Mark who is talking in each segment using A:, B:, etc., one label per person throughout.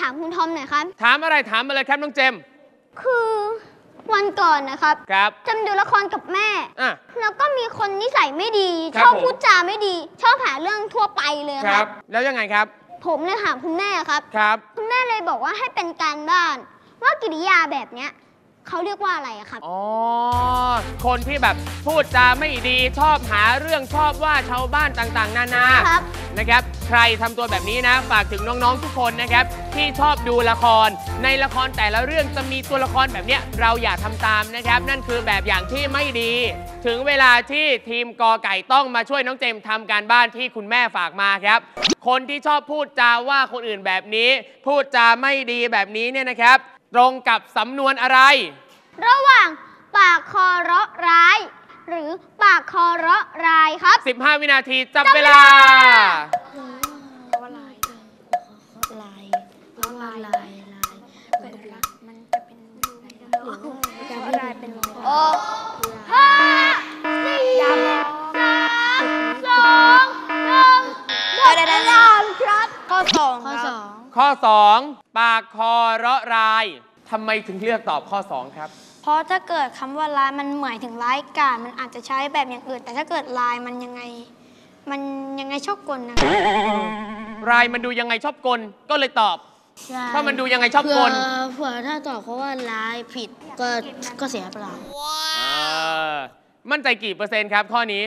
A: ามคุณทอมหน่อยครับ
B: ถามอะไรถามมาเลยครับน้องเจม
A: คือวันก่อนนะครับจำดูละครกับแม่แล้วก็มีคนนิสัยไม่ดีชอบพูดจาไม่ดีชอบหาเรื่องทั่วไปเลยครับ
B: แล้วยังไงครับ
A: ผมเลยถามคุณแม่ครับคุณแม่เลยบอกว่าให้เป็นการบ้านว่ากิริยาแบบเนี้ยเขาเรียกว่าอะไรครับ
B: อ๋อคนที่แบบพูดจาไม่ดีชอบหาเรื่องชอบว่าชาวบ้านต่างๆนานานะครับใครทำตัวแบบนี้นะฝากถึงน้องๆทุกคนนะครับที่ชอบดูละครในละครแต่ละเรื่องจะมีตัวละครแบบนี้เราอย่าทำตามนะครับนั่นคือแบบอย่างที่ไม่ดีถึงเวลาที่ทีมกอไก่ต้องมาช่วยน้องเจมทำการบ้านที่คุณแม่ฝากมาครับคนที่ชอบพูดจาว่าคนอื่นแบบนี้พูดจาไม่ดีแบบนี้เนี่ยนะครับตรงกับสำนวนอะไร
A: ระหว่างปากคอเราะร้ายหรือปากคอเราะรายครับ
B: 15 วินาทีจับเวลาข้อ 2 ปากคอเราะรายทำไมถึงเลือกตอบข้อ 2 ครับ
A: เพราะถ้าเกิดคำว่าร้ายมันหมายถึงร้ายกาจมันอาจจะใช้แบบอย่างอื่นแต่ถ้าเกิดลายมันยังไงชอบกลนะ
B: รายมันดูยังไงชอบกลก็เลยตอบถ้ามันดูยังไงชอบกล
C: เผื่อถ้าตอบเพราะว่าร้ายผิดก็เสียเปล่า
B: มั่นใจกี่เปอร์เซ็นต์ครับข้อนี้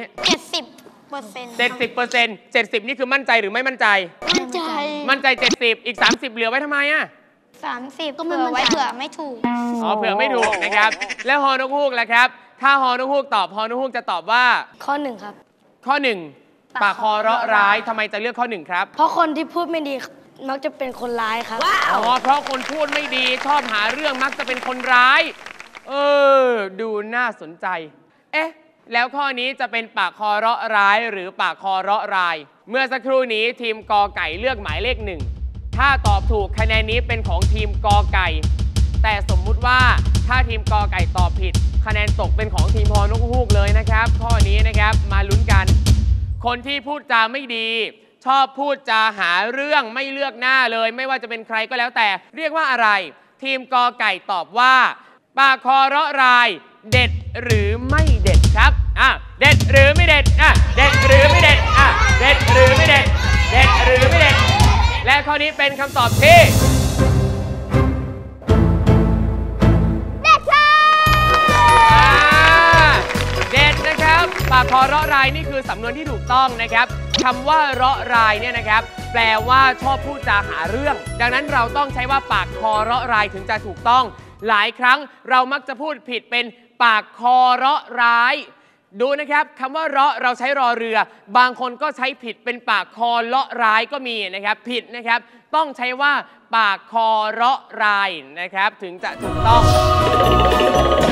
A: 70%
B: 70นี่คือมั่นใจหรือไม่มั่นใจมั่นใจ70อีก30เหลือไว้ทำไมอ่ะ
A: 30ก็เผื่อไว้เผื่อไม่ถูก
B: เผื่อไม่ถูกนะครับแล้วฮอนกฮูกล่ะครับถ้าฮอนกฮูกตอบฮอนกฮูกจะตอบว่า
C: ข้อ 1ครับ
B: ข้อ 1ปากคอเราะร้ายทำไมจะเลือกข้อ 1ครับ
C: เพราะคนที่พูดไม่ดีมักจะเป็นคนร้ายครับ
B: เพราะคนพูดไม่ดีชอบหาเรื่องมักจะเป็นคนร้ายดูน่าสนใจแล้วข้อนี้จะเป็นปากคอเราะร้ายหรือปากคอเราะรายเมื่อสักครู่นี้ทีมกอไก่เลือกหมายเลข 1ถ้าตอบถูกคะแนนนี้เป็นของทีมกอไก่แต่สมมุติว่าถ้าทีมกอไก่ตอบผิดคะแนนตกเป็นของทีมฮอนกฮูกเลยนะครับข้อนี้นะครับมาลุ้นกันคนที่พูดจาไม่ดีชอบพูดจาหาเรื่องไม่เลือกหน้าเลยไม่ว่าจะเป็นใครก็แล้วแต่เรียกว่าอะไรทีมกอไก่ตอบว่าปากคอเราะรายเด็ดหรือไม่เด็ดครับเด็ดหรือไม่เด็ดเด็ดหรือไม่เด็ดเด็ดหรือไม่เด็ดเด็ดหรือไม่เด็ดและข้อนี้เป็นคำตอบที่
A: เด็ดค่ะ
B: เด็ดนะครับปากคอเราะรายนี่คือสำนวนที่ถูกต้องนะครับคำว่าเราะรายเนี่ยนะครับแปลว่าชอบพูดจาหาเรื่องดังนั้นเราต้องใช้ว่าปากคอเราะรายถึงจะถูกต้องหลายครั้งเรามักจะพูดผิดเป็นปากคอเราะร้ายดูนะครับคำว่าเราใช้รอเรือบางคนก็ใช้ผิดเป็นปากคอเลาะร้ายก็มีนะครับผิดนะครับต้องใช้ว่าปากคอเราะรายนะครับถึงจะถูกต้อง